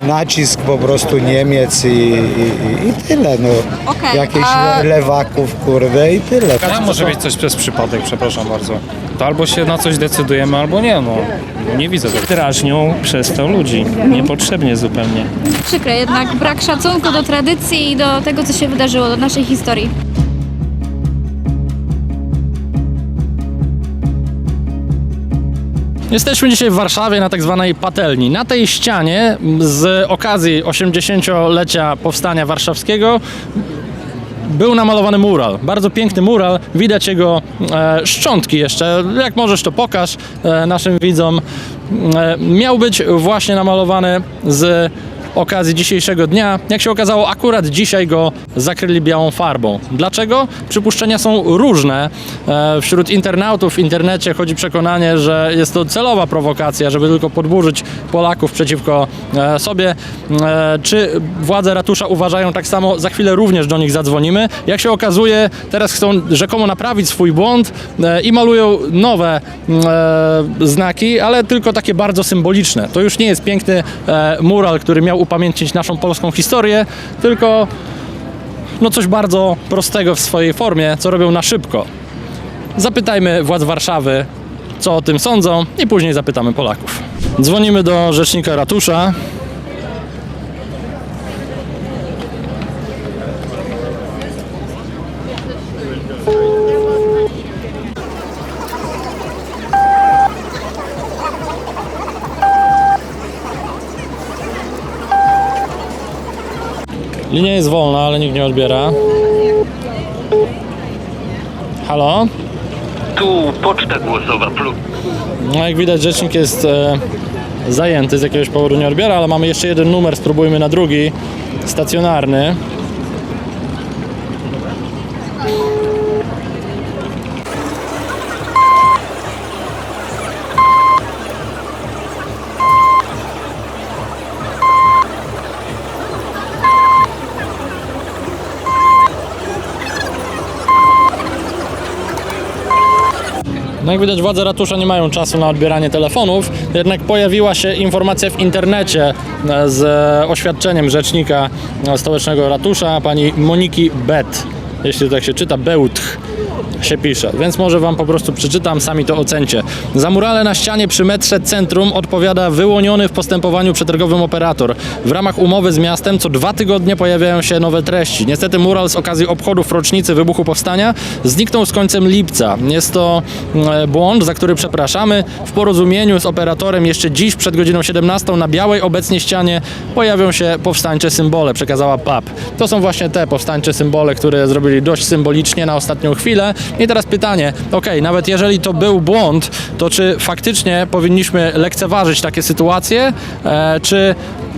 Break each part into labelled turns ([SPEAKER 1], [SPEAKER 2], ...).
[SPEAKER 1] nacisk po prostu Niemiec i tyle, no.
[SPEAKER 2] Okej,
[SPEAKER 1] Jakieś lewaków, kurde, i tyle.
[SPEAKER 3] A może być coś przez przypadek, przepraszam bardzo. To albo się na coś decydujemy, albo nie, no. Nie widzę tego.
[SPEAKER 4] Drażnią przez to ludzi, niepotrzebnie zupełnie.
[SPEAKER 2] Przykre, jednak brak szacunku do tradycji i do tego, co się wydarzyło, do naszej historii.
[SPEAKER 5] Jesteśmy dzisiaj w Warszawie na tak zwanej patelni. Na tej ścianie z okazji 80-lecia Powstania Warszawskiego był namalowany mural. Bardzo piękny mural. Widać jego szczątki jeszcze. Jak możesz, to pokaż naszym widzom. Miał być właśnie namalowany z okazji dzisiejszego dnia. Jak się okazało, akurat dzisiaj go zakryli białą farbą. Dlaczego? Przypuszczenia są różne. Wśród internautów w internecie chodzi przekonanie, że jest to celowa prowokacja, żeby tylko podburzyć Polaków przeciwko sobie. Czy władze ratusza uważają tak samo? Za chwilę również do nich zadzwonimy. Jak się okazuje, teraz chcą rzekomo naprawić swój błąd i malują nowe znaki, ale tylko takie bardzo symboliczne. To już nie jest piękny mural, który miał upamiętnić naszą polską historię, tylko no coś bardzo prostego w swojej formie, co robią na szybko. Zapytajmy władz Warszawy, co o tym sądzą, i później zapytamy Polaków. Dzwonimy do rzecznika ratusza. Linia jest wolna, ale nikt nie odbiera. Halo?
[SPEAKER 6] Tu poczta głosowa plus.
[SPEAKER 5] No jak widać, rzecznik jest zajęty, z jakiegoś powodu nie odbiera, ale mamy jeszcze jeden numer, spróbujmy na drugi, stacjonarny. No jak widać, władze ratusza nie mają czasu na odbieranie telefonów, jednak pojawiła się informacja w internecie z oświadczeniem rzecznika stołecznego ratusza, pani Moniki Bet. Jeśli tak się czyta, Bełtch się pisze, więc może wam po prostu przeczytam, sami to ocencie. Za murale na ścianie przy metrze Centrum odpowiada wyłoniony w postępowaniu przetargowym operator. W ramach umowy z miastem co 2 tygodnie pojawiają się nowe treści. Niestety mural z okazji obchodów rocznicy wybuchu Powstania zniknął z końcem lipca. Jest to błąd, za który przepraszamy. W porozumieniu z operatorem jeszcze dziś przed godziną 17 na białej obecnie ścianie pojawią się powstańcze symbole, przekazała PAP. To są właśnie te powstańcze symbole, które zrobili dość symbolicznie na ostatnią chwilę. I teraz pytanie, nawet jeżeli to był błąd, to czy faktycznie powinniśmy lekceważyć takie sytuacje, czy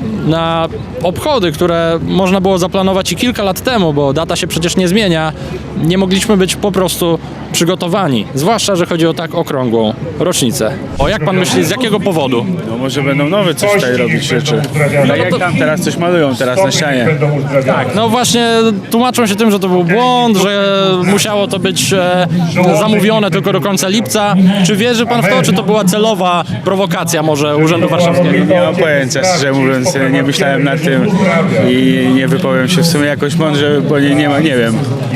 [SPEAKER 5] na obchody, które można było zaplanować i kilka lat temu, bo data się przecież nie zmienia, nie mogliśmy być po prostu przygotowani, zwłaszcza, że chodzi o tak okrągłą rocznicę. Jak pan myśli, z jakiego powodu?
[SPEAKER 7] No może będą nowe coś tutaj robić rzeczy. Tak jak tam teraz coś malują teraz na ścianie.
[SPEAKER 5] Tak, no właśnie tłumaczą się tym, że to był błąd, że musiało to być zamówione tylko do końca lipca. Czy wierzy pan w to, czy to była celowa prowokacja może Urzędu Warszawskiego?
[SPEAKER 7] Nie mam pojęcia, szczerze mówiąc, nie myślałem nad tym i nie wypowiem się w sumie jakoś mądrze, bo nie wiem.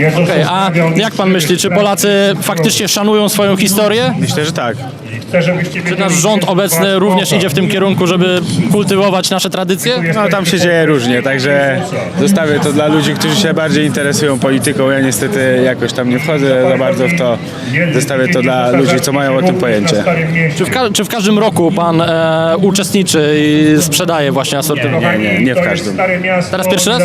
[SPEAKER 5] A jak pan myśli, czy Polacy faktycznie szanują swoją historię?
[SPEAKER 7] Myślę, że tak.
[SPEAKER 5] Czy nasz rząd obecny również idzie w tym kierunku, żeby kultywować nasze tradycje?
[SPEAKER 7] No tam się dzieje różnie, także zostawię to dla ludzi, którzy się bardziej interesują polityką. Ja niestety jakoś tam nie wchodzę za bardzo w to. Zostawię to dla ludzi, co mają o tym pojęcie.
[SPEAKER 5] Czy w każdym roku pan uczestniczy i sprzedaje właśnie asortyment?
[SPEAKER 7] Nie w każdym.
[SPEAKER 5] Teraz pierwszy raz?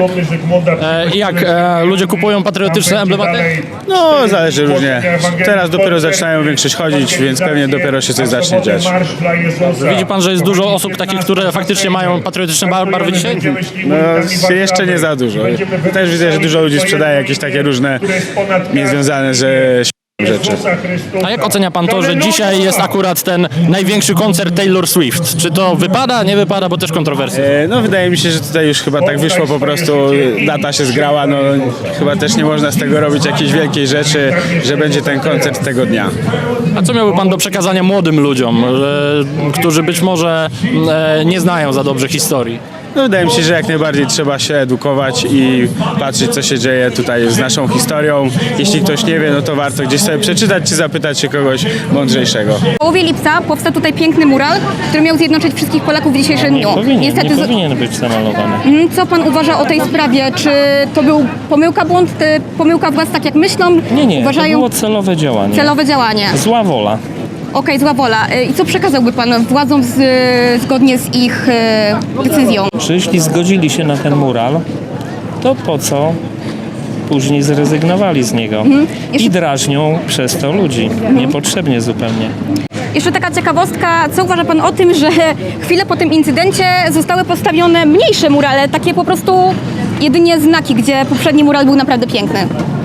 [SPEAKER 7] Tak.
[SPEAKER 5] I jak ludzie kupują patriotyczne emblematy?
[SPEAKER 7] No zależy różnie. Teraz dopiero zaczynają większość chodzić, więc pewnie dopiero się coś zacznie dziać.
[SPEAKER 5] Widzi pan, że jest dużo osób takich, które faktycznie mają patriotyczne barwy dzisiaj?
[SPEAKER 7] No jeszcze nie za dużo. Też widzę, że dużo ludzi sprzedaje jakieś takie różne niezwiązane, że rzeczy.
[SPEAKER 5] A jak ocenia pan to, że dzisiaj jest akurat ten największy koncert Taylor Swift? Czy to wypada, nie wypada, bo też kontrowersje?
[SPEAKER 7] No wydaje mi się, że tutaj już chyba tak wyszło po prostu, data się zgrała, no chyba też nie można z tego robić jakiejś wielkiej rzeczy, że będzie ten koncert tego dnia.
[SPEAKER 5] A co miałby pan do przekazania młodym ludziom, którzy być może nie znają za dobrze historii?
[SPEAKER 7] No wydaje mi się, że jak najbardziej trzeba się edukować i patrzeć, co się dzieje tutaj z naszą historią. Jeśli ktoś nie wie, no to warto gdzieś sobie przeczytać czy zapytać się kogoś mądrzejszego.
[SPEAKER 8] W połowie lipca powstał tutaj piękny mural, który miał zjednoczyć wszystkich Polaków w dzisiejszym dniu.
[SPEAKER 4] Nie powinien być zamalowany.
[SPEAKER 8] Co pan uważa o tej sprawie? Czy to był błąd, pomyłka władz, tak jak myślą?
[SPEAKER 4] Nie, to
[SPEAKER 8] Uważają
[SPEAKER 4] było celowe działanie.
[SPEAKER 8] celowe działanie.
[SPEAKER 4] Zła wola.
[SPEAKER 8] Okej, zła wola. I co przekazałby pan władzom zgodnie z ich decyzją?
[SPEAKER 4] Że jeśli zgodzili się na ten mural, to po co później zrezygnowali z niego i drażnią przez to ludzi. Niepotrzebnie zupełnie.
[SPEAKER 8] Jeszcze taka ciekawostka, co uważa pan o tym, że chwilę po tym incydencie zostały postawione mniejsze murale, takie po prostu jedynie znaki, gdzie poprzedni mural był naprawdę piękny?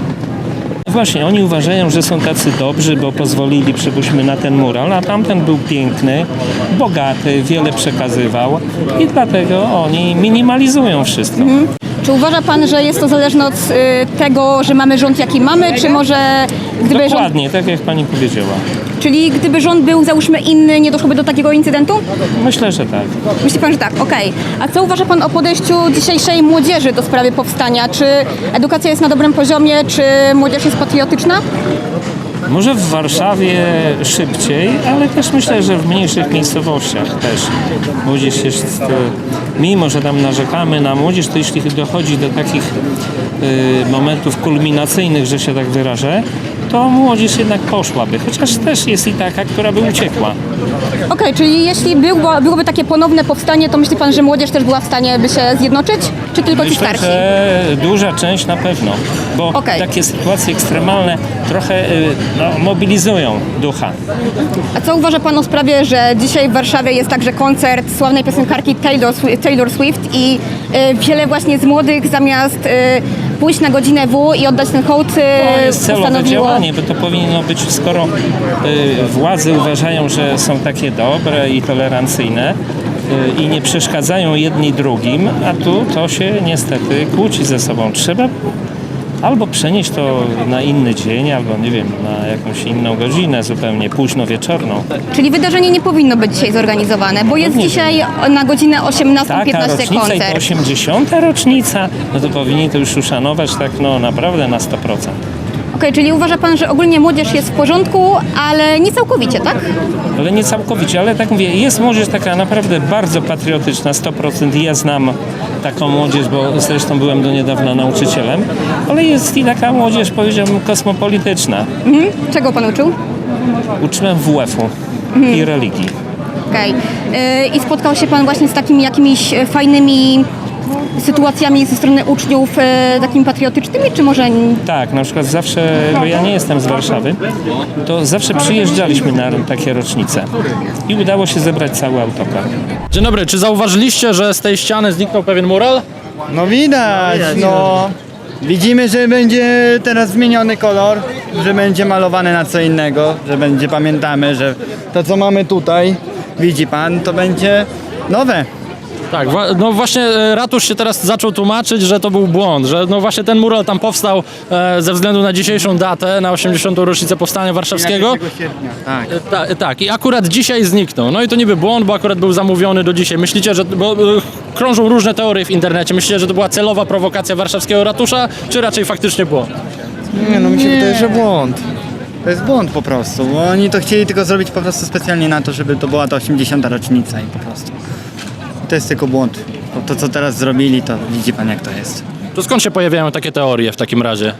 [SPEAKER 4] Właśnie, oni uważają, że są tacy dobrzy, bo pozwolili, przypuśćmy, na ten mural, a tamten był piękny, bogaty, wiele przekazywał i dlatego oni minimalizują wszystko.
[SPEAKER 8] Czy uważa pan, że jest to zależne od tego, że mamy rząd jaki mamy, czy może gdyby rząd,
[SPEAKER 4] Dokładnie, tak jak pani powiedziała.
[SPEAKER 8] czyli gdyby rząd był załóżmy inny, nie doszłoby do takiego incydentu?
[SPEAKER 4] Myślę, że tak.
[SPEAKER 8] Myśli pan, że tak, okej. A co uważa pan o podejściu dzisiejszej młodzieży do sprawy powstania? Czy edukacja jest na dobrym poziomie, czy młodzież jest patriotyczna?
[SPEAKER 4] Może w Warszawie szybciej, ale też myślę, że w mniejszych miejscowościach też. Młodzież jest, mimo że tam narzekamy na młodzież, to jeśli dochodzi do takich momentów kulminacyjnych, że się tak wyrażę, to młodzież jednak poszłaby, chociaż też jest i taka, która by uciekła.
[SPEAKER 8] Okej, czyli jeśli byłoby takie ponowne powstanie, to myśli pan, że młodzież też była w stanie by się zjednoczyć? Czy tylko ci
[SPEAKER 4] Myślę,
[SPEAKER 8] starsi?
[SPEAKER 4] że duża część na pewno, bo
[SPEAKER 8] Okej.
[SPEAKER 4] takie sytuacje ekstremalne trochę mobilizują ducha.
[SPEAKER 8] A co uważa pan o sprawie, że dzisiaj w Warszawie jest także koncert sławnej piosenkarki Taylor Swift i wiele właśnie z młodych zamiast pójść na godzinę W i oddać ten hołd
[SPEAKER 4] To jest celowe
[SPEAKER 8] postanowiło...
[SPEAKER 4] działanie, bo to powinno być, skoro władze uważają, że są takie dobre i tolerancyjne i nie przeszkadzają jedni drugim, a tu to się niestety kłóci ze sobą. Trzeba albo przenieść to na inny dzień, albo nie wiem, na jakąś inną godzinę zupełnie późno wieczorną.
[SPEAKER 8] Czyli wydarzenie nie powinno być dzisiaj zorganizowane, bo jest
[SPEAKER 4] Nie.
[SPEAKER 8] dzisiaj na godzinę 18:15
[SPEAKER 4] Taka rocznica i to
[SPEAKER 8] koncert.
[SPEAKER 4] 80. rocznica, no to powinni to już uszanować tak naprawdę na 100%.
[SPEAKER 8] Okej, czyli uważa pan, że ogólnie młodzież jest w porządku, ale nie całkowicie, tak?
[SPEAKER 4] Ale nie całkowicie, ale tak mówię, jest młodzież taka naprawdę bardzo patriotyczna, 100%. Ja znam taką młodzież, bo zresztą byłem do niedawna nauczycielem, ale jest i taka młodzież, powiedziałbym, kosmopolityczna.
[SPEAKER 8] Czego pan uczył?
[SPEAKER 4] Uczyłem WF-u i religii.
[SPEAKER 8] Okej. I spotkał się pan właśnie z takimi jakimiś fajnymi sytuacjami ze strony uczniów takimi patriotycznymi, czy może...
[SPEAKER 4] Tak, na przykład zawsze, bo ja nie jestem z Warszawy, to zawsze przyjeżdżaliśmy na takie rocznice i udało się zebrać cały autokar.
[SPEAKER 5] Dzień dobry, czy zauważyliście, że z tej ściany zniknął pewien mural?
[SPEAKER 9] No widać, no. Widzimy, że będzie teraz zmieniony kolor, że będzie malowane na co innego, że będzie, pamiętamy, że to co mamy tutaj, widzi pan, to będzie nowe.
[SPEAKER 5] Tak, no właśnie ratusz się teraz zaczął tłumaczyć, że to był błąd, że no właśnie ten mural tam powstał ze względu na dzisiejszą datę, na 80. rocznicę Powstania Warszawskiego.
[SPEAKER 9] 1 sierpnia, tak.
[SPEAKER 5] Tak, i akurat dzisiaj zniknął. No i to niby błąd, bo akurat był zamówiony do dzisiaj. Myślicie, że, bo krążą różne teorie w internecie, myślicie, że to była celowa prowokacja warszawskiego ratusza, czy raczej faktycznie błąd?
[SPEAKER 9] Nie, no mi się wydaje, że błąd. To jest błąd po prostu, bo oni to chcieli tylko zrobić po prostu specjalnie na to, żeby to była ta 80. rocznica i po prostu. To jest tylko błąd. To co teraz zrobili, to widzi pan jak to jest.
[SPEAKER 5] To skąd się pojawiają takie teorie w takim razie?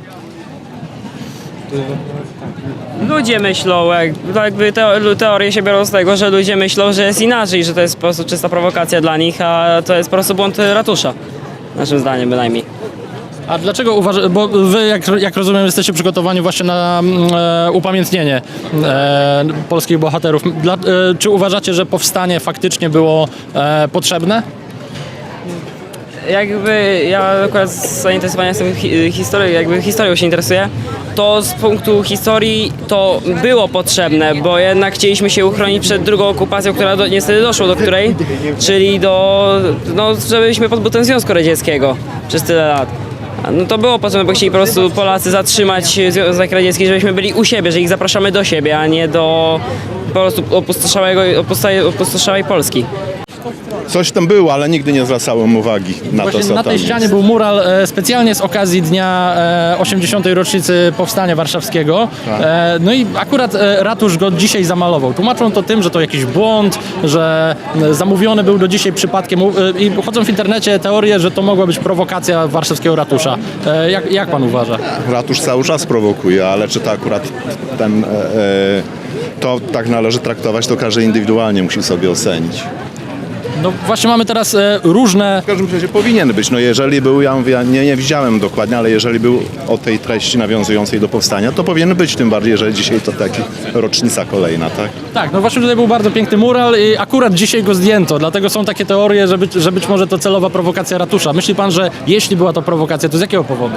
[SPEAKER 10] Ludzie myślą, jakby teorie się biorą z tego, że ludzie myślą, że jest inaczej, że to jest po prostu czysta prowokacja dla nich, a to jest po prostu błąd ratusza. Naszym zdaniem bynajmniej.
[SPEAKER 5] A dlaczego uważasz, bo wy jak rozumiem jesteście przygotowani właśnie na upamiętnienie polskich bohaterów. Czy uważacie, że powstanie faktycznie było potrzebne?
[SPEAKER 10] jakby ja akurat z zainteresowania jestem historią się interesuję, to z punktu historii to było potrzebne, bo jednak chcieliśmy się uchronić przed drugą okupacją, która niestety doszło do której, czyli żebyśmy pozbyli Związku Radzieckiego przez tyle lat. No to było potrzebne, bo chcieli po prostu Polacy zatrzymać Związek Radziecki, żebyśmy byli u siebie, że ich zapraszamy do siebie, a nie do po prostu opustoszałej Polski.
[SPEAKER 11] Coś tam było, ale nigdy nie zwracałem uwagi na to, co
[SPEAKER 5] Na tej
[SPEAKER 11] tam
[SPEAKER 5] ścianie
[SPEAKER 11] jest.
[SPEAKER 5] był mural specjalnie z okazji dnia 80. rocznicy Powstania Warszawskiego. No i akurat ratusz go dzisiaj zamalował. Tłumaczą to tym, że to jakiś błąd, że zamówiony był do dzisiaj przypadkiem i chodzą w internecie teorie, że to mogła być prowokacja warszawskiego ratusza. Jak pan uważa?
[SPEAKER 11] Ratusz cały czas prowokuje, ale czy to akurat to tak należy traktować, to każdy indywidualnie musi sobie ocenić.
[SPEAKER 5] No właśnie mamy teraz różne...
[SPEAKER 11] W każdym razie powinien być. No jeżeli był, ja mówię, nie widziałem dokładnie, ale jeżeli był o tej treści nawiązującej do powstania, to powinien być, tym bardziej, że dzisiaj to taki rocznica kolejna, tak?
[SPEAKER 5] Tak, no właśnie tutaj był bardzo piękny mural i akurat dzisiaj go zdjęto, dlatego są takie teorie, że być może to celowa prowokacja ratusza. Myśli pan, że jeśli była to prowokacja, to z jakiego powodu?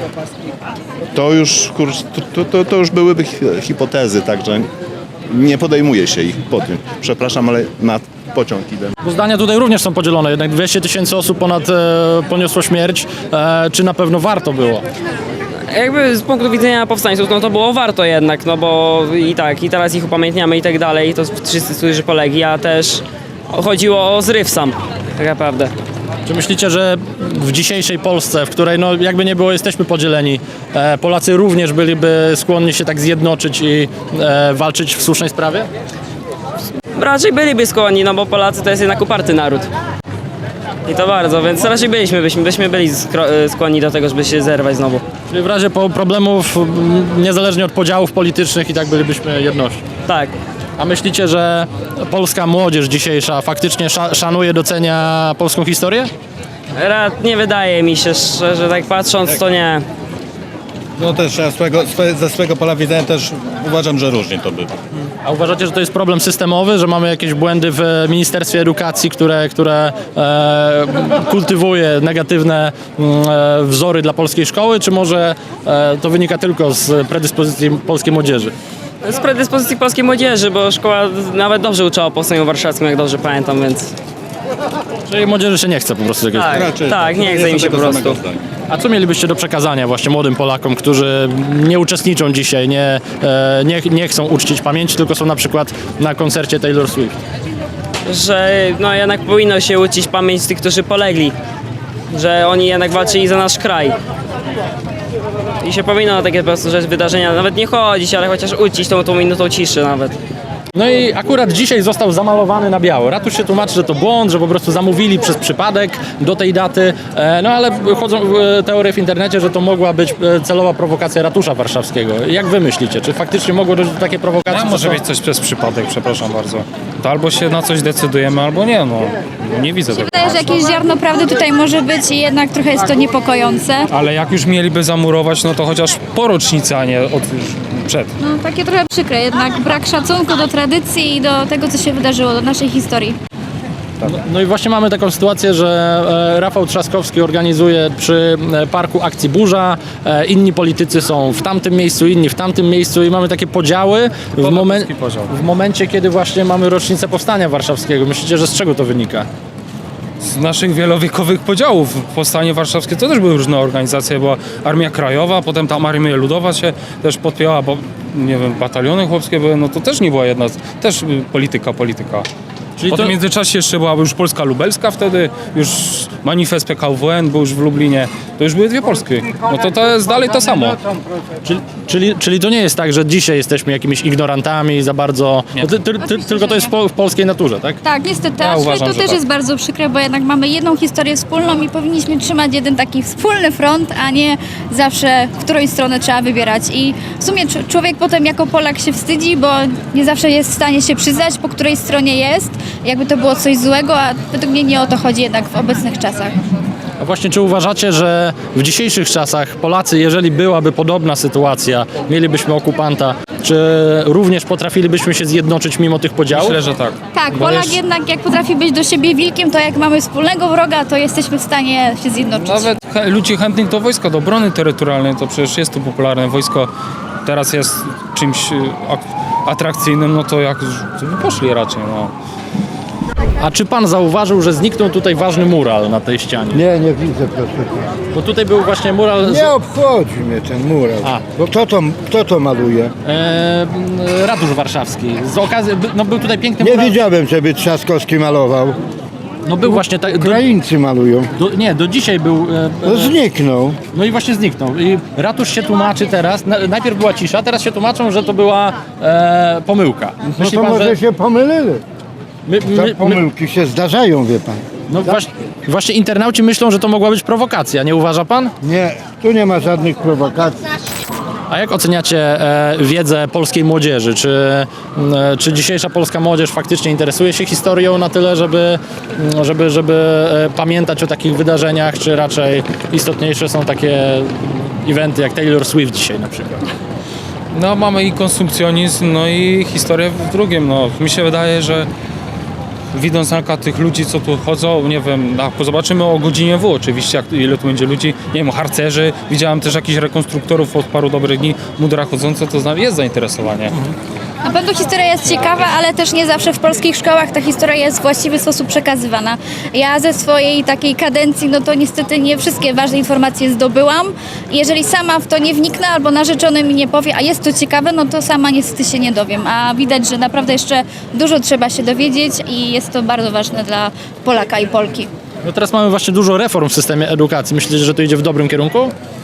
[SPEAKER 11] To już, to już byłyby hipotezy, także nie podejmuje się ich po tym. Przepraszam, ale na pociąg idę.
[SPEAKER 5] Bo zdania tutaj również są podzielone, jednak 200 000 osób ponad poniosło śmierć. Czy na pewno warto było?
[SPEAKER 10] Jakby z punktu widzenia powstańców, no to było warto jednak, no bo i teraz ich upamiętniamy i tak dalej, to wszyscy, którzy polegli, a też chodziło o zryw sam, tak naprawdę.
[SPEAKER 5] Czy myślicie, że w dzisiejszej Polsce, w której no jakby nie było, jesteśmy podzieleni, Polacy również byliby skłonni się tak zjednoczyć i walczyć w słusznej sprawie?
[SPEAKER 10] Raczej byliby skłonni, no bo Polacy to jest jednak uparty naród. I to bardzo, więc raczej byśmy byli skłonni do tego, żeby się zerwać znowu.
[SPEAKER 5] Czyli w razie problemów, niezależnie od podziałów politycznych, i tak bylibyśmy jednością.
[SPEAKER 10] Tak.
[SPEAKER 5] A myślicie, że polska młodzież dzisiejsza faktycznie szanuje, docenia polską historię?
[SPEAKER 10] Nie wydaje mi się, że tak patrząc, to nie.
[SPEAKER 1] No też ja ze swojego pola widzenia też uważam, że różnie to bywa.
[SPEAKER 5] A uważacie, że to jest problem systemowy, że mamy jakieś błędy w Ministerstwie Edukacji, które kultywuje negatywne wzory dla polskiej szkoły, czy może to wynika tylko z predyspozycji polskiej młodzieży?
[SPEAKER 10] Z predyspozycji polskiej młodzieży, bo szkoła nawet dobrze uczyła o Powstaniu Warszawskim, jak dobrze pamiętam, więc...
[SPEAKER 5] Czyli młodzieży się nie chce po prostu jakiegoś...
[SPEAKER 10] Tak, nie chce im się po prostu.
[SPEAKER 5] A co mielibyście do przekazania właśnie młodym Polakom, którzy nie uczestniczą dzisiaj, nie chcą uczcić pamięci, tylko są na przykład na koncercie Taylor Swift?
[SPEAKER 10] Że no jednak powinno się uczcić pamięć tych, którzy polegli. Że oni jednak walczyli za nasz kraj. I się powinno na takie po prostu wydarzenia nawet nie chodzić, ale chociaż uczcić tą minutą ciszy nawet.
[SPEAKER 5] No i akurat dzisiaj został zamalowany na biało. Ratusz się tłumaczy, że to błąd, że po prostu zamówili przez przypadek do tej daty. No ale chodzą teorie w internecie, że to mogła być celowa prowokacja ratusza warszawskiego. Jak wy myślicie? Czy faktycznie mogło dojść do takiej prowokacji?
[SPEAKER 3] Może być coś przez przypadek, przepraszam bardzo. To albo się na coś decydujemy, albo nie, no. Nie widzę tego.
[SPEAKER 2] Wydaje, że jakieś ziarno prawdy tutaj może być i jednak trochę jest to niepokojące.
[SPEAKER 3] Ale jak już mieliby zamurować, no to chociaż po rocznicy, a nie przed.
[SPEAKER 2] No takie trochę przykre, jednak brak szacunku do tradycji i do tego, co się wydarzyło, do naszej historii.
[SPEAKER 5] No i właśnie mamy taką sytuację, że Rafał Trzaskowski organizuje przy parku akcji Burza, inni politycy są w tamtym miejscu, inni w tamtym miejscu i mamy takie podziały w momencie, kiedy właśnie mamy rocznicę Powstania Warszawskiego. Myślicie, że z czego to wynika?
[SPEAKER 3] Z naszych wielowiekowych podziałów. Powstanie Warszawskie to też były różne organizacje, była Armia Krajowa, potem tam Armia Ludowa się też podpięła, bo nie wiem, bataliony chłopskie były, no to też nie była jedna, też polityka.
[SPEAKER 5] Czyli
[SPEAKER 3] W międzyczasie jeszcze była już Polska Lubelska wtedy, już manifest PKWN był już w Lublinie, to już były dwie Polski. No to jest dalej to samo.
[SPEAKER 5] Czyli to nie jest tak, że dzisiaj jesteśmy jakimiś ignorantami za bardzo... Tylko to jest w polskiej naturze, tak?
[SPEAKER 2] Tak, niestety,
[SPEAKER 3] Ja
[SPEAKER 2] aczkolwiek
[SPEAKER 3] uważam,
[SPEAKER 2] to
[SPEAKER 3] że
[SPEAKER 2] też
[SPEAKER 3] tak.
[SPEAKER 2] jest bardzo przykre, bo jednak mamy jedną historię wspólną i powinniśmy trzymać jeden taki wspólny front, a nie zawsze w którąś stronę trzeba wybierać. I w sumie człowiek potem jako Polak się wstydzi, bo nie zawsze jest w stanie się przyznać, po której stronie jest, jakby to było coś złego, a według mnie nie o to chodzi jednak w obecnych czasach.
[SPEAKER 5] A właśnie, czy uważacie, że w dzisiejszych czasach Polacy, jeżeli byłaby podobna sytuacja, mielibyśmy okupanta, Czy również potrafilibyśmy się zjednoczyć mimo tych podziałów?
[SPEAKER 3] Myślę, że tak.
[SPEAKER 2] Tak,
[SPEAKER 3] Bo
[SPEAKER 2] Polak
[SPEAKER 3] jeszcze-
[SPEAKER 2] jednak jak potrafi być do siebie wilkiem, to jak mamy wspólnego wroga, to jesteśmy w stanie się zjednoczyć.
[SPEAKER 3] Nawet ludzi chętnych do wojska, do obrony terytorialnej, to przecież jest to popularne. Wojsko teraz jest czymś atrakcyjnym, no to jak poszli raczej, no.
[SPEAKER 5] A czy pan zauważył, że zniknął tutaj ważny mural na tej ścianie?
[SPEAKER 12] Nie widzę, proszę pana.
[SPEAKER 5] Bo tutaj był właśnie mural...
[SPEAKER 12] Nie obchodzi mnie ten mural.
[SPEAKER 5] A.
[SPEAKER 12] Bo kto to maluje?
[SPEAKER 5] Ratusz Warszawski. Z okazji, no był tutaj piękny
[SPEAKER 12] Nie
[SPEAKER 5] mural.
[SPEAKER 12] widziałem, żeby Trzaskowski malował.
[SPEAKER 5] No był właśnie tak.
[SPEAKER 12] Ukraińcy malują.
[SPEAKER 5] Do dzisiaj był.
[SPEAKER 12] No zniknął.
[SPEAKER 5] No i właśnie zniknął. I ratusz się tłumaczy teraz. Najpierw była cisza, teraz się tłumaczą, że to była pomyłka.
[SPEAKER 12] No
[SPEAKER 5] Myśli
[SPEAKER 12] to
[SPEAKER 5] pan,
[SPEAKER 12] może
[SPEAKER 5] że
[SPEAKER 12] się pomylili. Te pomyłki się zdarzają, wie pan.
[SPEAKER 5] no właśnie internauci myślą, że to mogła być prowokacja, nie uważa pan?
[SPEAKER 12] Nie, tu nie ma żadnych prowokacji.
[SPEAKER 5] A jak oceniacie wiedzę polskiej młodzieży? Czy dzisiejsza polska młodzież faktycznie interesuje się historią na tyle, żeby pamiętać o takich wydarzeniach, czy raczej istotniejsze są takie eventy jak Taylor Swift dzisiaj na przykład?
[SPEAKER 3] No mamy i konsumpcjonizm, no i historię w drugim, no. Mi się wydaje, że widząc na przykład tych ludzi, co tu chodzą, nie wiem, zobaczymy o godzinie oczywiście, ile tu będzie ludzi, nie wiem, harcerzy, widziałem też jakichś rekonstruktorów od paru dobrych dni, mundura chodzące, to jest zainteresowanie.
[SPEAKER 2] Na pewno historia jest ciekawa, ale też nie zawsze w polskich szkołach ta historia jest w właściwy sposób przekazywana. Ja ze swojej takiej kadencji, no to niestety nie wszystkie ważne informacje zdobyłam. Jeżeli sama w to nie wniknę albo narzeczony mi nie powie, a jest to ciekawe, no to sama niestety się nie dowiem. A widać, że naprawdę jeszcze dużo trzeba się dowiedzieć i jest to bardzo ważne dla Polaka i Polki.
[SPEAKER 5] No teraz mamy właśnie dużo reform w systemie edukacji. Myślicie, że to idzie w dobrym kierunku?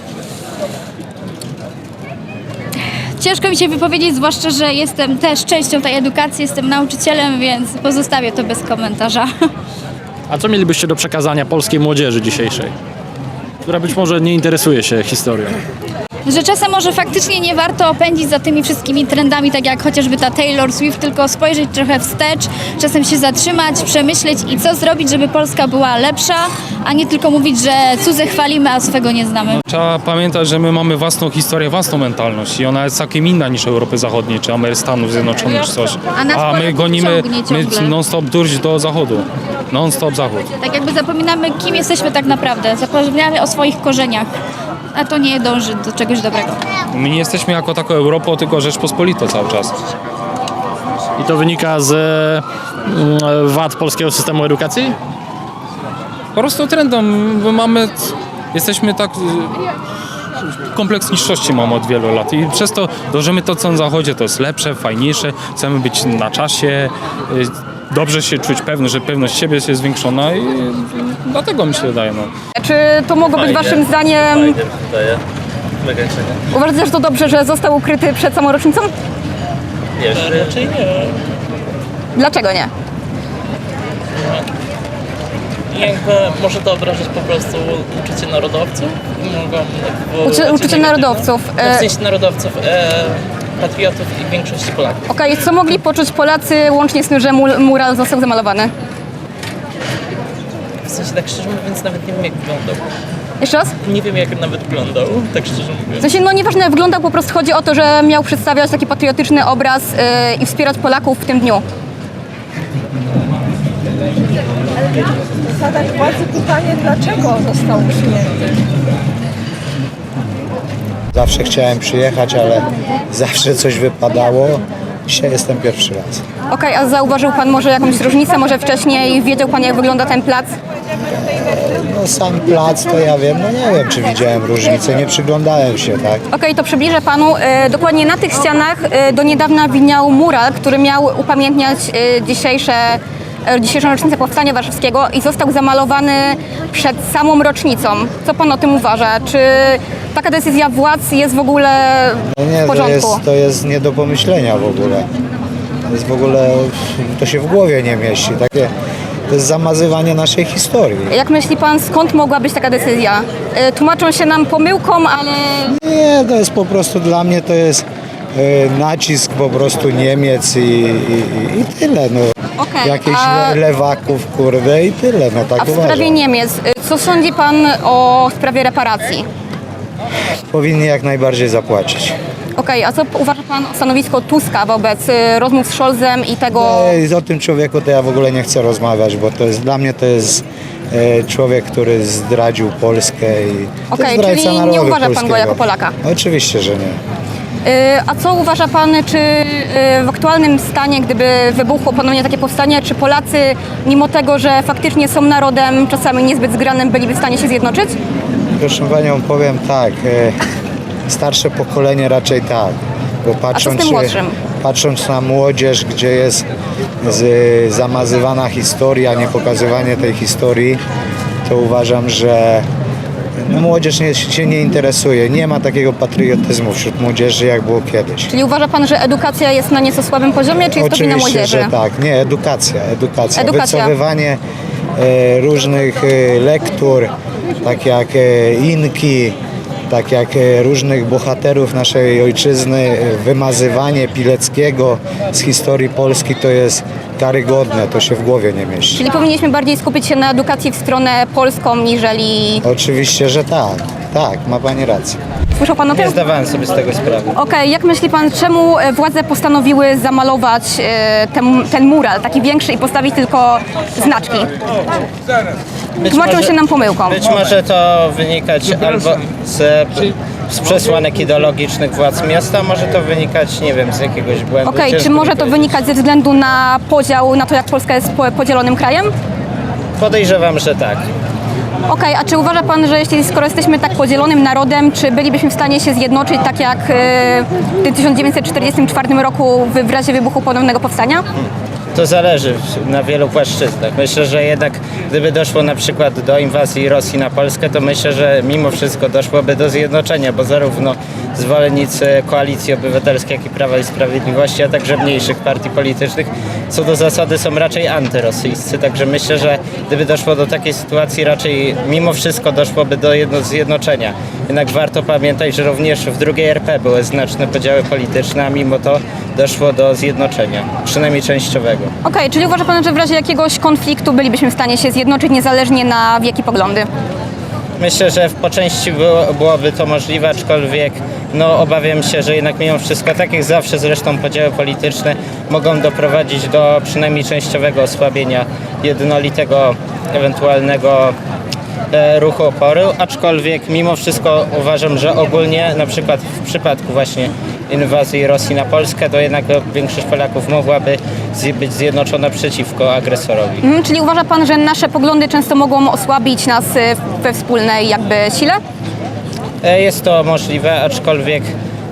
[SPEAKER 2] Ciężko mi się wypowiedzieć, zwłaszcza, że jestem też częścią tej edukacji, jestem nauczycielem, więc pozostawię to bez komentarza.
[SPEAKER 5] A co mielibyście do przekazania polskiej młodzieży dzisiejszej, która być może nie interesuje się historią?
[SPEAKER 2] Że czasem może faktycznie nie warto pędzić za tymi wszystkimi trendami, tak jak chociażby ta Taylor Swift, tylko spojrzeć trochę wstecz, czasem się zatrzymać, przemyśleć i co zrobić, żeby Polska była lepsza, a nie tylko mówić, że cudze chwalimy, a swego nie znamy.
[SPEAKER 3] Trzeba pamiętać, że my mamy własną historię, własną mentalność i ona jest całkiem inna niż Europy Zachodniej, czy Stanów Zjednoczonych, czy coś.
[SPEAKER 2] A nas
[SPEAKER 3] A my
[SPEAKER 2] Polaków
[SPEAKER 3] gonimy
[SPEAKER 2] ciągnie ciągle.
[SPEAKER 3] non-stop durć do Zachodu. Non-stop Zachód.
[SPEAKER 2] Tak jakby zapominamy, kim jesteśmy tak naprawdę, zapominamy o swoich korzeniach, a to nie dąży do czegoś dobrego.
[SPEAKER 3] My nie jesteśmy jako taką Europą, tylko Rzeczpospolitą cały czas.
[SPEAKER 5] I to wynika z wad polskiego systemu edukacji?
[SPEAKER 3] Po prostu trendem jesteśmy tak... Kompleks niższości mamy od wielu lat i przez to dążymy to, co na Zachodzie, to jest lepsze, fajniejsze, chcemy być na czasie, dobrze się czuć że pewność siebie jest zwiększona i dlatego mi się wydaje, no.
[SPEAKER 8] Czy to mogło być waszym zdaniem... Uważacie, że to dobrze, że został ukryty przed samą rocznicą?
[SPEAKER 10] Raczej nie.
[SPEAKER 8] Dlaczego nie?
[SPEAKER 10] Jakby może to obrażać po prostu uczucie narodowców?
[SPEAKER 8] Uczucie narodowców.
[SPEAKER 10] W sensie narodowców, patriotów i większości Polaków.
[SPEAKER 8] Okej, co mogli poczuć Polacy łącznie z tym, że mural został zamalowany?
[SPEAKER 10] W sensie tak szczerze mówiąc nawet nie wiem jak wyglądał.
[SPEAKER 8] Jeszcze raz?
[SPEAKER 10] Nie wiem jak nawet wyglądał, tak szczerze
[SPEAKER 8] W
[SPEAKER 10] mówiąc.
[SPEAKER 8] sensie, no nieważne jak wyglądał, po prostu chodzi o to, że miał przedstawiać taki patriotyczny obraz i wspierać Polaków w tym dniu.
[SPEAKER 13] Zadać władzy pytanie, dlaczego został usunięty?
[SPEAKER 14] Zawsze chciałem przyjechać, ale zawsze coś wypadało. Dzisiaj jestem pierwszy raz.
[SPEAKER 8] Okej, a zauważył pan może jakąś różnicę? Może wcześniej wiedział pan, jak wygląda ten plac?
[SPEAKER 14] No sam plac to ja wiem, no nie wiem, czy widziałem różnicę, nie przyglądałem się, tak?
[SPEAKER 8] Okej, to przybliżę panu. Dokładnie na tych ścianach do niedawna widniał mural, który miał upamiętniać dzisiejszą rocznicę Powstania Warszawskiego i został zamalowany przed samą rocznicą. Co pan o tym uważa? Czy taka decyzja władz jest w ogóle
[SPEAKER 14] No nie,
[SPEAKER 8] w porządku?
[SPEAKER 14] to jest nie do pomyślenia w ogóle. To się w głowie nie mieści. To jest zamazywanie naszej historii.
[SPEAKER 8] Jak myśli pan, skąd mogła być taka decyzja? Tłumaczą się nam pomyłką, ale...
[SPEAKER 14] Nie, to jest po prostu dla mnie to jest nacisk po prostu Niemiec i tyle. No.
[SPEAKER 8] Okej,
[SPEAKER 14] Jakichś
[SPEAKER 8] a
[SPEAKER 14] lewaków, kurde, i tyle, no tak
[SPEAKER 8] w sprawie
[SPEAKER 14] uważam.
[SPEAKER 8] Niemiec, co sądzi pan o sprawie reparacji?
[SPEAKER 14] Powinni jak najbardziej zapłacić.
[SPEAKER 8] Okej, a co uważa pan o stanowisku Tuska wobec rozmów z Scholzem i tego...
[SPEAKER 14] O tym człowieku to ja w ogóle nie chcę rozmawiać, bo to jest, dla mnie to jest człowiek, który zdradził Polskę i to
[SPEAKER 8] Okej,
[SPEAKER 14] jest zdrajca
[SPEAKER 8] czyli
[SPEAKER 14] narodu
[SPEAKER 8] nie uważa pan go
[SPEAKER 14] polskiego.
[SPEAKER 8] jako Polaka?
[SPEAKER 14] Oczywiście, że nie.
[SPEAKER 8] A co uważa pan, czy w aktualnym stanie, gdyby wybuchło ponownie takie powstanie, czy Polacy, mimo tego, że faktycznie są narodem czasami niezbyt zgranym, byliby w stanie się zjednoczyć?
[SPEAKER 14] Proszę panią, powiem tak, starsze pokolenie raczej tak, bo patrząc na młodzież, gdzie jest zamazywana historia, nie pokazywanie tej historii, to uważam, że młodzież się nie interesuje. Nie ma takiego patriotyzmu wśród młodzieży, jak było kiedyś.
[SPEAKER 8] Czyli uważa pan, że edukacja jest na nieco słabym poziomie, czy jest to wina
[SPEAKER 14] Oczywiście,
[SPEAKER 8] młodzieży?
[SPEAKER 14] że tak. Nie, edukacja. Wycofywanie różnych lektur, tak jak Inki, tak jak różnych bohaterów naszej ojczyzny, wymazywanie Pileckiego z historii Polski to jest karygodne, to się w głowie nie mieści.
[SPEAKER 8] Czyli powinniśmy bardziej skupić się na edukacji w stronę polską, niżeli...
[SPEAKER 14] Oczywiście, że tak. Tak, ma pani rację.
[SPEAKER 8] Słyszał pan o tym?
[SPEAKER 15] Nie zdawałem sobie z tego sprawy.
[SPEAKER 8] Okej, jak myśli pan, czemu władze postanowiły zamalować ten mural, taki większy i postawić tylko znaczki? Tłumaczą się nam pomyłką.
[SPEAKER 15] Być może to wynikać albo z przesłanek ideologicznych władz miasta, może to wynikać, nie wiem, z jakiegoś błędu.
[SPEAKER 8] Okej, czy może to wynikać ze względu na podział, na to, jak Polska jest podzielonym krajem?
[SPEAKER 15] Podejrzewam, że tak.
[SPEAKER 8] Okej, a czy uważa pan, że skoro jesteśmy tak podzielonym narodem, czy bylibyśmy w stanie się zjednoczyć tak jak w 1944 roku w razie wybuchu ponownego powstania?
[SPEAKER 15] To zależy na wielu płaszczyznach. Myślę, że jednak gdyby doszło na przykład do inwazji Rosji na Polskę, to myślę, że mimo wszystko doszłoby do zjednoczenia, bo zarówno zwolennicy Koalicji Obywatelskiej, jak i Prawa i Sprawiedliwości, a także mniejszych partii politycznych co do zasady są raczej antyrosyjscy. Także myślę, że gdyby doszło do takiej sytuacji, raczej mimo wszystko doszłoby do zjednoczenia. Jednak warto pamiętać, że również w II RP były znaczne podziały polityczne, a mimo to doszło do zjednoczenia, przynajmniej częściowego.
[SPEAKER 8] Okej, czyli uważa pan, że w razie jakiegoś konfliktu bylibyśmy w stanie się zjednoczyć niezależnie na wiek i poglądy?
[SPEAKER 15] Myślę, że po części byłoby to możliwe, aczkolwiek obawiam się, że jednak mimo wszystko, tak jak zawsze zresztą podziały polityczne mogą doprowadzić do przynajmniej częściowego osłabienia jednolitego ewentualnego ruchu oporu, aczkolwiek mimo wszystko uważam, że ogólnie na przykład w przypadku właśnie inwazji Rosji na Polskę, to jednak większość Polaków mogłaby być zjednoczona przeciwko agresorowi.
[SPEAKER 8] Czyli uważa pan, że nasze poglądy często mogą osłabić nas we wspólnej jakby sile?
[SPEAKER 15] Jest to możliwe, aczkolwiek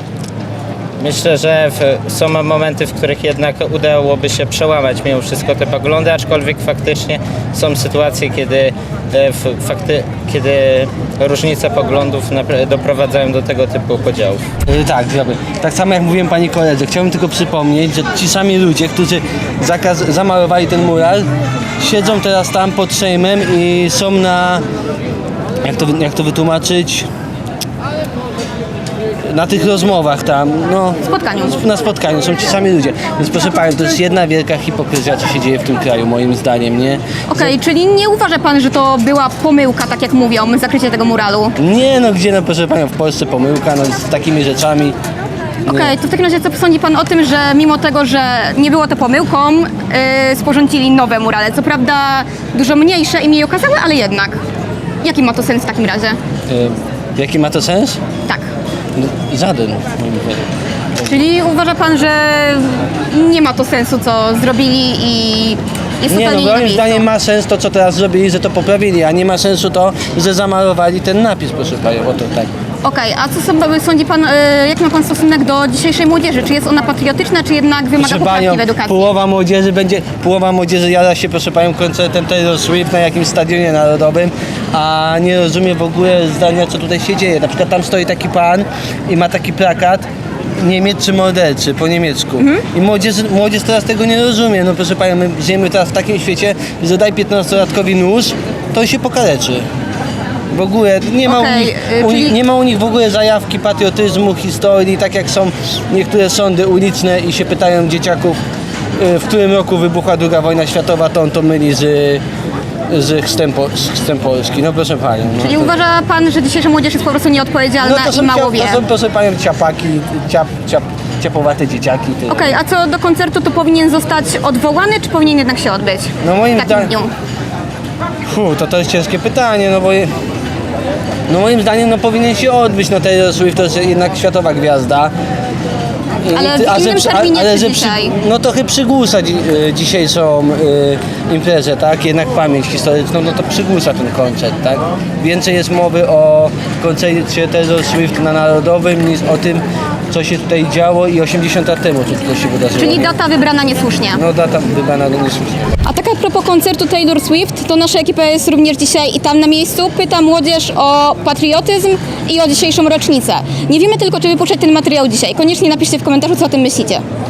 [SPEAKER 15] myślę, że są momenty, w których jednak udałoby się przełamać mimo wszystko te poglądy, aczkolwiek faktycznie są sytuacje, kiedy różnice poglądów doprowadzają do tego typu podziałów.
[SPEAKER 16] Tak, tak samo jak mówiłem pani koledze, chciałbym tylko przypomnieć, że ci sami ludzie, którzy zamalowali ten mural, siedzą teraz tam pod Sejmem i są na, jak to wytłumaczyć, na tych rozmowach tam, na spotkaniu są ci sami ludzie. Więc proszę Pani, to jest jedna wielka hipokryzja, co się dzieje w tym kraju, moim zdaniem, nie?
[SPEAKER 8] Okej, czyli nie uważa pan, że to była pomyłka, tak jak mówią, zakrycie tego muralu?
[SPEAKER 16] Nie, gdzie, proszę Panią, w Polsce pomyłka, z takimi rzeczami.
[SPEAKER 8] Okej, to w takim razie co sądzi pan o tym, że mimo tego, że nie było to pomyłką, sporządzili nowe murale? Co prawda dużo mniejsze i mniej okazałe, ale jednak. Jaki ma to sens w takim razie?
[SPEAKER 16] Jaki ma to sens?
[SPEAKER 8] Tak.
[SPEAKER 16] Żaden, moim zdaniem.
[SPEAKER 8] Czyli uważa pan, że nie ma to sensu, co zrobili i jest totalnie nie na
[SPEAKER 16] moim
[SPEAKER 8] miejscu?
[SPEAKER 16] zdaniem ma sens to, co teraz zrobili, że to poprawili, a nie ma sensu to, że zamalowali ten napis, proszę Panią, o to tak.
[SPEAKER 8] Okej, a co sądzi pan, jaki ma pan stosunek do dzisiejszej młodzieży? Czy jest ona patriotyczna, czy jednak wymaga poprawki w edukacji?
[SPEAKER 16] Połowa młodzieży jada się, proszę Panią, koncertem Taylor Swift na jakimś stadionie narodowym, a nie rozumie w ogóle zdania, co tutaj się dzieje. Na przykład tam stoi taki pan i ma taki plakat Niemiec czy morderczy po niemiecku. I młodzież teraz tego nie rozumie. Proszę Panią, my żyjemy teraz w takim świecie, że daj 15-latkowi nóż, to się pokaleczy. W ogóle nie ma u nich w ogóle zajawki patriotyzmu, historii, tak jak są niektóre sądy uliczne i się pytają dzieciaków, w którym roku wybuchła II wojna światowa, to on to myli z chrztem Polski. No proszę Panią. No,
[SPEAKER 8] Czyli uważa pan, że dzisiejsza młodzież jest po prostu nieodpowiedzialna i mało wie?
[SPEAKER 16] To są, proszę Panią, ciapaki, ciapowate dzieciaki.
[SPEAKER 8] Okej, a co do koncertu, to powinien zostać odwołany, czy powinien jednak się odbyć?
[SPEAKER 16] No moim
[SPEAKER 8] w takim
[SPEAKER 16] zdaniem...
[SPEAKER 8] dniu.
[SPEAKER 16] To jest ciężkie pytanie, no bo... No moim zdaniem no, powinien się odbyć, no Taylor Swift to jest jednak światowa gwiazda.
[SPEAKER 8] Ale w innym terminie czy dzisiaj?
[SPEAKER 16] No trochę przygłusa dzisiejszą imprezę, tak? Jednak pamięć historyczną, no to przygłusa ten koncert, tak? Więcej jest mowy o koncercie Taylor Swift na Narodowym niż o tym, co się tutaj działo i 80 lat temu, co się wydarzyło.
[SPEAKER 8] Czyli data wybrana niesłusznie.
[SPEAKER 16] No data wybrana niesłusznie.
[SPEAKER 8] A tak a propos koncertu Taylor Swift, to nasza ekipa jest również dzisiaj i tam na miejscu. Pyta młodzież o patriotyzm i o dzisiejszą rocznicę. Nie wiemy tylko, czy wypuszczać ten materiał dzisiaj. Koniecznie napiszcie w komentarzu, co o tym myślicie.